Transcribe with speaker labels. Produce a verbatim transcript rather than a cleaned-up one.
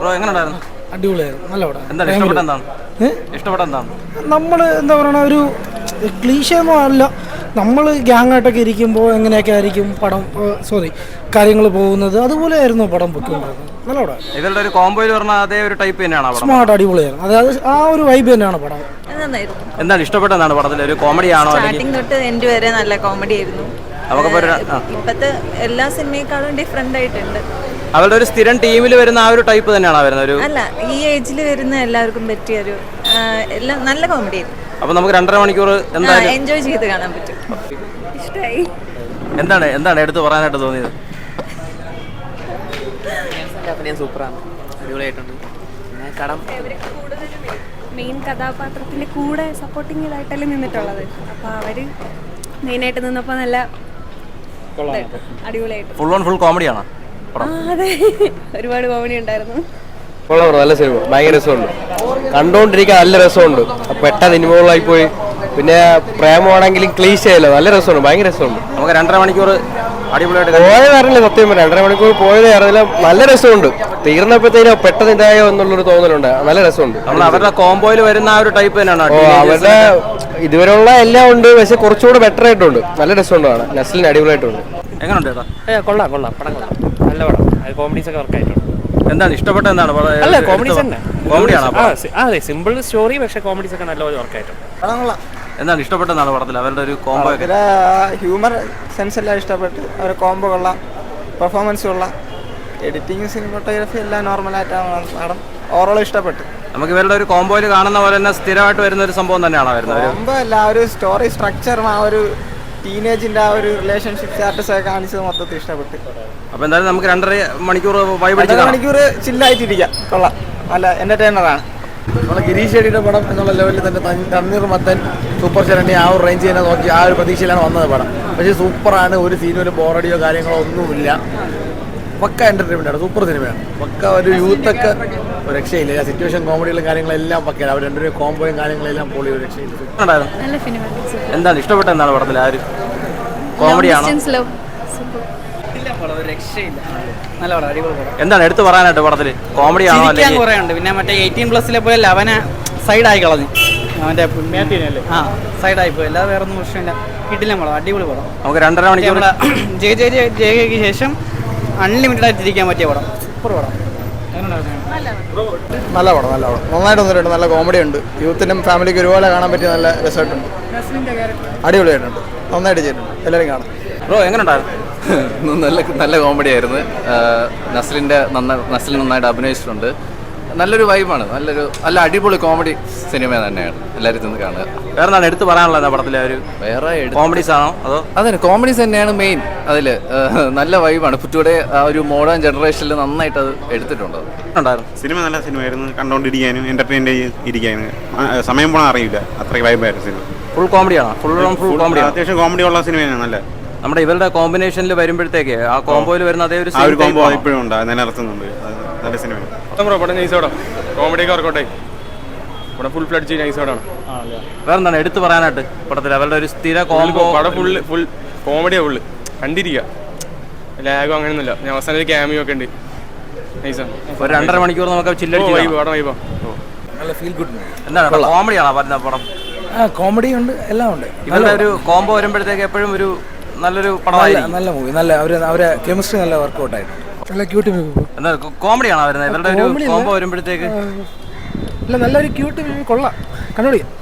Speaker 1: Bro എങ്ങനെയുണ്ടായിരുന്നു?
Speaker 2: അടിപൊളിയായിരുന്നു, നല്ല പടം.
Speaker 1: എന്താണ് ഇഷ്ടപ്പെട്ട എന്താണ് ഇഷ്ടപ്പെട്ട എന്താണ്
Speaker 2: നമ്മൾ എന്താ പറയുക, ഒരു ക്ലീശയൊന്നും അല്ല. നമ്മൾ ഗ്യാങ്ങായിട്ടൊക്കെ ഇരിക്കുമ്പോൾ എങ്ങനെയൊക്കെ ആയിരിക്കും പടം, സോറി കാര്യങ്ങൾ പോകുന്നത്, അതുപോലെ ആയിരുന്നു പടം പൊയ്ക്കൊണ്ടിരുന്നത്. നല്ല പടം.
Speaker 1: ഇവരുടെ ഒരു കോംബോയിൽ പറഞ്ഞ അതേ ഒരു ടൈപ്പ് തന്നെയാണ്.
Speaker 2: സ്മാർട്ട്, അടിപൊളിയായിരുന്നു. അതായത് ആ ഒരു വൈബ് തന്നെയാണ് പടം.
Speaker 1: എന്താണ് ഇഷ്ടപ്പെട്ട എന്താണ് പടത്തിൽ? ഒരു കോമഡി ആണോ?
Speaker 3: സ്റ്റാർട്ടിംഗ് തൊട്ട് എൻഡ് വരെ നല്ല കോമഡി ആയിരുന്നു. ഇപ്പത്തെ എല്ലാ സിനിമയെക്കാളും ഡിഫറെന്റ് ആയിട്ടുണ്ട്.
Speaker 1: അവരുടെ ഒരു സ്ഥിരം ടീമിൽ വരുന്ന ആ ഒരു ടൈപ്പ് തന്നെയാണ് വരുന്നത്. ഒരു
Speaker 3: അല്ല, ഈ ഏജിൽ വരുന്ന എല്ലാവർക്കും പറ്റിയ ഒരു എല്ലാം നല്ല കോമഡി ആയിരുന്നു.
Speaker 1: അപ്പൊ നമുക്ക് രണ്ടര മണിക്കൂർ എന്തായാലും
Speaker 3: എൻജോയ് ചെയ്ത് കാണാൻ പറ്റും. ഇഷ്ടമായി.
Speaker 1: എന്താണ് എന്താണ് എടുത്ത് പറയാനായിട്ട് തോന്നിയത്?
Speaker 4: സൂപ്പറാണ്, അടിപൊളിയായിട്ടുണ്ട്.
Speaker 5: മെയിൻ കഥാപാത്രത്തിന്റെ കൂടെ സപ്പോർട്ടിങ് ഇതായിട്ടല്ലേ നിന്നിട്ടുള്ളത്. അപ്പൊ അവര് മെയിനായിട്ട് നിന്നപ്പോ നല്ല അടിപൊളിയായിട്ട്.
Speaker 1: ഫുൾ ഓൺ ഫുൾ കോമഡിയാണോ?
Speaker 5: അതെ, ഒരുപാട് കോമഡി ഉണ്ടായിരുന്നു.
Speaker 6: നല്ല സിനിമ, ഭയങ്കര രസമുണ്ട്, കണ്ടോണ്ടിരിക്കാൻ നല്ല രസമുണ്ട്. പെട്ടെന്ന് ഇൻവോൾവായി പോയി. പിന്നെ പ്രേമമാണെങ്കിലും ക്ലീശയല്ലോ, നല്ല രസമുണ്ട്, ഭയങ്കര രസമുണ്ട്.
Speaker 1: നമുക്ക് രണ്ടര മണിക്കൂർ അടിപൊളിയായിട്ട്
Speaker 6: പോയത് അറിയില്ല, സത്യം പറഞ്ഞാൽ രണ്ടര മണിക്കൂർ പോയത് അറിയില്ല. നല്ല രസമുണ്ട്. തീർന്നപ്പോഴത്തേനും പെട്ടെന്ന് ഇതായോ എന്നുള്ളൊരു തോന്നലുണ്ട്. നല്ല രസമുണ്ട്.
Speaker 1: നമ്മൾ അവരുടെ കോംബോയിൽ വരുന്ന ആ ഒരു ടൈപ്പ് തന്നെയാണ്.
Speaker 6: അവരുടെ ഇതുവരെയുള്ള എല്ലാം ഉണ്ട്, പക്ഷെ കുറച്ചുകൂടെ ബെറ്റർ ആയിട്ടുണ്ട്. നല്ല രസമുണ്ട്. നസ്ലിന് അടിപൊളിയായിട്ടുണ്ട്.
Speaker 1: എങ്ങനെയുണ്ട്?
Speaker 4: കൊള്ളാം കൊള്ളാം, പടം കൊള്ളാം, നല്ല പടം. കോമഡീസ് ഒക്കെ വർക്ക് ആയിട്ടുണ്ട്.
Speaker 1: എന്താണ് ഇഷ്ടപ്പെട്ട എന്താണ്?
Speaker 4: അല്ല, കോമഡീസ് തന്നെ,
Speaker 1: കോമഡിയാണ്.
Speaker 4: അതെ, സിമ്പിൾ സ്റ്റോറി, പക്ഷെ കോമഡീസ് ഒക്കെ നല്ലപോലെ വർക്ക് ആയിട്ടുണ്ട്.
Speaker 1: എന്താണ് ഇഷ്ടപ്പെട്ടെന്നാണ് പടത്തിൽ അവരുടെ ഒരു കോംബോ?
Speaker 7: ഹ്യൂമർ സെൻസ് എല്ലാം ഇഷ്ടപ്പെട്ട്. അവരുടെ കോംബോ കൊള്ളാം, പെർഫോമൻസ് കൊള്ളാം, എഡിറ്റിംഗ് സിനിമോട്ടോഗ്രാഫി എല്ലാം നോർമലായിട്ടാണ് പടം. ഓവറോൾ ഇഷ്ടപ്പെട്ടു.
Speaker 1: നമുക്ക് ഇവരുടെ ഒരു കോംബോയിൽ കാണുന്ന പോലെ തന്നെ സ്ഥിരമായിട്ട് വരുന്ന ഒരു സംഭവം തന്നെയാണ് വരുന്നത്.
Speaker 7: കോംബോ അല്ല, ആ ഒരു സ്റ്റോറി സ്ട്രക്ചറും ആ ഒരു ടീനേജിന്റെ ആ ഒരു റിലേഷൻഷിപ്പ് സ്റ്റാറ്റസ് ഒക്കെ കാണിച്ചത് മൊത്തത്തിൽ ഇഷ്ടപ്പെട്ടു.
Speaker 1: അപ്പൊ എന്തായാലും നമുക്ക് രണ്ടര മണിക്കൂർ
Speaker 7: രണ്ടര മണിക്കൂർ ചില്ലായിട്ടിരിക്കാം. കൊള്ളാം, നല്ല എന്റർടൈനറാണ്.
Speaker 8: നമ്മളെ ഗിരീഷ് ഷെഡിയുടെ പടം എന്നുള്ള ലെവലിൽ തന്നെ തണ്ണീർ മത്തൻ, സൂപ്പർ ചരണ്ടി ആ ഒരു റേഞ്ച് തന്നെ നോക്കി ആ ഒരു പ്രതീക്ഷയിലാണ് വന്നത് പടം. പക്ഷേ സൂപ്പറാണ്. ഒരു സീനും ഒരു ബോറടിയോ കാര്യങ്ങളോ ഒന്നുമില്ല. പക്ക എൻ്റർടൈൻമെൻ്റ് ആണ്, സൂപ്പർ സിനിമയാണ്. പക്ക ഒരു യൂത്തൊക്കെ ഒരു രക്ഷയില്ല. സിറ്റുവേഷൻ കോമഡികളും കാര്യങ്ങളെല്ലാം പക്കയാണ്. അവർ രണ്ടുപേരും കോംബോയും കാര്യങ്ങളെല്ലാം പൊളി, ഒരു രക്ഷയില്ല.
Speaker 1: എന്താണ് ഇഷ്ടപ്പെട്ട എന്താണ് പടത്തിൽ? ആ ഒരു കോമഡിയാണോ? എന്താണ് എടുത്തു പറയാനായിട്ട് പടത്തില്? കോമഡിയാണോ?
Speaker 4: പിന്നെ മറ്റേ എയ്റ്റീൻ പ്ലസിലെ പോലെ ലവനെ സൈഡായി കളഞ്ഞു. അവന്റെ ആ സൈഡായി പോയി. അല്ലാതെ വേറെ ഒന്നും പ്രശ്നമില്ല. കിട്ടില്ല പടം, അടിപൊളി പടം.
Speaker 1: നമുക്ക് രണ്ടര മണിക്കൂർ
Speaker 4: ജെ ജെ ജെ ജെക്ക് ശേഷം അൺലിമിറ്റഡ് ആയിട്ട് ഇരിക്കാൻ പറ്റിയ പടം. സൂപ്പർ പടം.
Speaker 7: നല്ല പടം, നല്ല പടം. നന്നായിട്ട് വന്നിട്ടുണ്ട്. നല്ല കോമഡി ഉണ്ട്. യൂത്തിനും ഫാമിലിക്ക് ഒരുപോലെ കാണാൻ പറ്റിയ നല്ല രസമായിട്ടുണ്ട്. അടിപൊളിയായിട്ടുണ്ട്, നന്നായിട്ട് ചെയ്തിട്ടുണ്ട്. എല്ലാവരും കാണാം.
Speaker 1: ബ്രോ എങ്ങനെയുണ്ടായിരുന്നു?
Speaker 9: നല്ല നല്ല കോമഡി ആയിരുന്നു. നസ്ലിൻ്റെ നന്ന നസ്ലിൻ നന്നായിട്ട് അഭിനയിച്ചിട്ടുണ്ട്. നല്ലൊരു വൈബാണ്. നല്ലൊരു നല്ല അടിപൊളി കോമഡി സിനിമ തന്നെയാണ്. എല്ലാവരും ചെന്ന് കാണുക.
Speaker 1: വേറെ എന്താണ് എടുത്ത് പറയാനുള്ളത് പടത്തിലെ? ഒരു വേറെ കോമഡീസ് ആണോ അതോ?
Speaker 9: അതെ, കോമഡീസ് തന്നെയാണ് മെയിൻ. അതിൽ നല്ല വൈബാണ്. പുറ്റൂടെ ആ ഒരു മോഡേൺ ജനറേഷനിൽ നന്നായിട്ട് അത് എടുത്തിട്ടുണ്ട്.
Speaker 10: സിനിമ നല്ല സിനിമയായിരുന്നു. കണ്ടുകൊണ്ടിരിക്കാനും എന്റർടൈൻ ഇരിക്കാനും സമയം പോകാൻ അറിയില്ല. അത്രയ്ക്ക് വൈബായിരുന്നു സിനിമ.
Speaker 1: ഫുൾ കോമഡിയാണോ? ഫുൾ ഫുൾ കോമഡി,
Speaker 10: അത്യാവശ്യം കോമഡി ഉള്ള സിനിമയാണ്. നല്ല
Speaker 1: നമ്മുടെ ഇവരുടെ കോമ്പിനേഷനിൽ വരുമ്പോഴത്തേക്ക് ആ കോംബോയിൽ വരുന്ന അതേ ഒരു
Speaker 10: കോംബോ ഇപ്പോഴും ഉണ്ട്, നിലനിർത്തുന്നുണ്ട്. നല്ല സിനിമയാണ്.
Speaker 11: പടം നൈസോടാ, കോമഡിയൊക്കെ വർക്കൗട്ടായി. പടം ഫുൾ ഫ്ലഡ്ജ് നൈസോടാണ്.
Speaker 1: വേറെ എന്താണ് എടുത്ത് പറയാനായിട്ട് പടത്തിൽ? അവരുടെ ഒരു സ്ഥിര കോംബോ.
Speaker 11: പടം ഫുൾ ഫുൾ കോമഡിയാ, ഫുള്ള് കണ്ടിരിക്കുക. ലാഗോ അങ്ങനെയൊന്നുമില്ല. ഞാൻ അവസാനം ക്യാമിയോ ഒക്കെ ഉണ്ട്. നൈസാണ്.
Speaker 1: ഒരു രണ്ടര മണിക്കൂർ നമുക്ക് ചില്ലടിച്ച്
Speaker 11: പടം വൈബോ.
Speaker 2: നല്ല ഫീൽ ഗുഡ്.
Speaker 1: എന്താണ് കോമഡിയാണോ പറഞ്ഞ പടം?
Speaker 2: ആ, കോമഡി ഉണ്ട്, എല്ലാം ഉണ്ട്.
Speaker 1: ഇവരുടെ ഒരു കോംബോ വരുമ്പോഴത്തേക്ക് എപ്പോഴും ഒരു നല്ലൊരു പടമായിരിക്കും.
Speaker 2: നല്ല മൂവി, നല്ല അവര് അവരെ കെമിസ്ട്രി നല്ല വർക്കൗട്ട് ആയിട്ട്. നല്ല ക്യൂട്ട് മൂവി.
Speaker 1: എന്താ കോമഡിയാണോ വരുന്നത്? ഇവരുടെ ഒരു കോംബോ വരുമ്പോഴത്തേക്ക്
Speaker 2: അല്ല, നല്ലൊരു ക്യൂട്ട് മൂവി, കൊള്ളാം, കണ്ടുപിടിക്കാം.